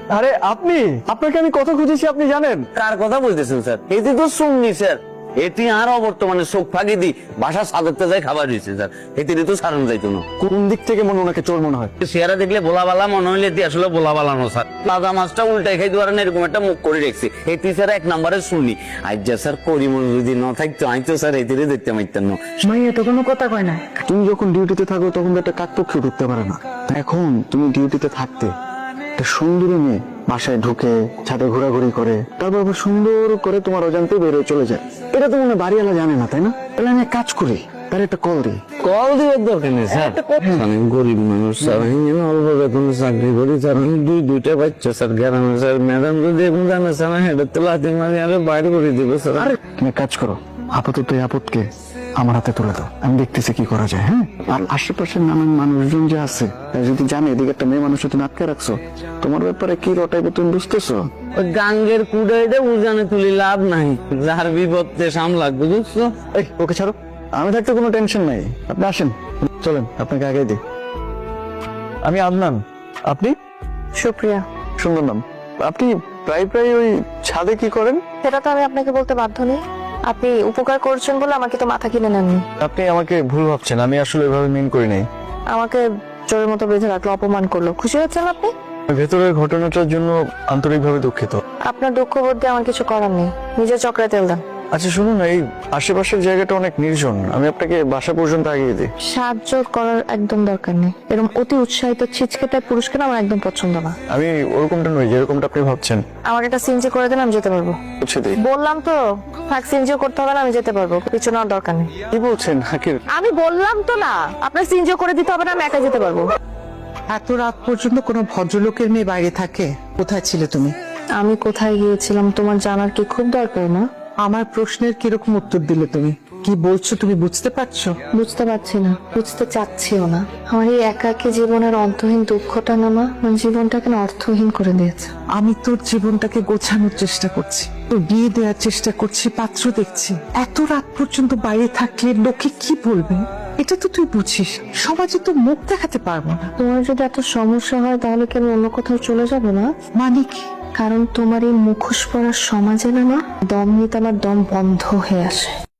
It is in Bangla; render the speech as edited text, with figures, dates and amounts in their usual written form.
আরে আপনি, আপনাকে আমি কত খুঁজেছি আপনি জানেন? কার কথা বলতেছেন স্যার? এটি তো শুননি স্যার। এটি আরো বর্তমানে চোখ ফাঁকি দি বাসা সাজাতে যায় খাবার দিচ্ছে স্যার। এটি তো সারান যাইতো না। কোন দিক থেকে মনে ওনাকে চোর মনে হয়? চেহারা দেখলে বোলাবালা মনে হইলে এটি আসলে বোলাবালানো স্যার। লাদা মাছটা উল্টাই খাই দেওয়ার এরকম একটা মুখ করে রেখেছি। এটি স্যার এক নম্বরে শুনি। আজ যা স্যার পরিমল যদি না থাকতো আমি তো স্যার এটি দেখতে পাইতেন না। মাইয়া তো কোনো কথা কয় না। তুমি যখন ডিউটিতে থাকো তখন তো একটা কাকপক্ষী ঢুকতে পারে না। এখন তুমি ডিউটিতে থাকতে একটা সুন্দরী মেয়ে বাসায় ঢুকে ছাদে ঘোরাঘুরি করে, তারপর আবার সুন্দর করে তোমার অজান্তে বেরোয় চলে যায়। এটা তো মনে হয় বাড়িওয়ালা জানে না, তাই না? তাহলে আমি এক কাজ করি, তার একটা কল দিই। কল দেওয়ার দরকার নেই স্যার। আমি গরিব মানুষ স্যার, আমি অল্প বেতনে চাকরি করি স্যার। আমি দুইটা বাচ্চা স্যার গ্রামে স্যার। ম্যাডাম যদি এখন জানে স্যার হেডের তো লাথি মারি আরে বাইরে করে দিবে স্যার। আরে তুমি এক কাজ করো, আপাতত এই আপদকে আমার হাতে তুলে দাও, আমি দেখতেছি কি করা যায়। হ্যাঁ, আর আশেপাশের নানান মানুষজন যে আছে তারা যদি জানে এদিকে একটা মেয়ে মানুষ তুমি আটকে রাখছো, তোমার ব্যাপারে কি রটাইবো তুমি বুঝতেছো? ওই গাঙ্গের কুড়াইতে উজানে তুলি লাভ নাই, যার বিপদে সামলাক বুঝছো। এই ওকে ছাড়ো, আমি থাকতে কোনো টেনশন নাই। আপনি আসেন, চলেন আপনাকে আগে দিই। আমি আদনান, আপনি? সুপ্রিয়া। সুন্দর নাম। আপনি প্রায় প্রায় ওই ছাদে কি করেন? সেটা তো আমি আপনাকে বলতে বাধ্য নেই। আপনি উপকার করছেন বলে আমাকে তো মাথা কিনে নেননি। আপনি আমাকে ভুল ভাবছেন, আমি আসলে এভাবে মিন করি নাই। আমাকে চোরের মতো বেঁধে রাখলো, অপমান করলো। খুশি হচ্ছেন আপনি? ভেতরের ঘটনাটার জন্য আন্তরিকভাবে দুঃখিত। আপনার দুঃখ বোধে আমার কিছু করার নেই। নিজের চক্রে তেল দেন। আচ্ছা শুনুন, এই আশেপাশের জায়গাটা অনেক নির্জন, আমি আপনাকে বাসা পর্যন্ত আগিয়ে দিই। সাহায্য করার একদম দরকার নেই। এরকম অতি উৎসাহিত ছিচকেটা পুরস্কার আমার একদম পছন্দ না। আমি ওরকমটা নই যেরকমটা আপনি ভাবছেন। আমার একটা সিনজি করে দেন, আমি যেতে পারবো। বুঝছে দিই। বললাম তো, থাক, সিনজিও করতে হবে না, আমি যেতে পারবো। কিছু নেওয়ার দরকার নেই। কি বলছেন হাকির? আমি বললাম তো না, আপনার সিনজিও করে দিতে হবে না, আমি একা যেতে পারবো। এত রাত পর্যন্ত কোনো ভদ্রলোকের মেয়ে বাইরে থাকে? কোথায় ছিলে তুমি? আমি কোথায় গিয়েছিলাম তোমার জানার কি খুব দরকার না? আমার প্রশ্নের কিরকম উত্তর দিলে তুমি? কি বলছো তুমি বুঝতে পারছো? বুঝতে পারছি না, বুঝতে চাচ্ছিও না। আমার এই একাকী জীবনের অন্তহীন দুঃখটা না মা, আমার জীবনটাকে না অর্থহীন করে দিয়েছে। আমি তোর জীবনটাকে গোছানোর চেষ্টা করছি, তোর বিয়ে দেওয়ার চেষ্টা করছি, পাত্র দেখছি। এত রাত পর্যন্ত বাইরে থাকলে লোকে কি বলবে? এটা তো তুই বুঝিস, সমাজে তো মুখ দেখাতে পারবো না। তোমার যদি এত সমস্যা হয় তাহলে কি আমি অন্য কোথাও চলে যাবো না? মানে কি? কারণ তোমার এই মুখোশ পরার সমাজে না মা, দম নিতে আমার দম বন্ধ হয়ে আসে।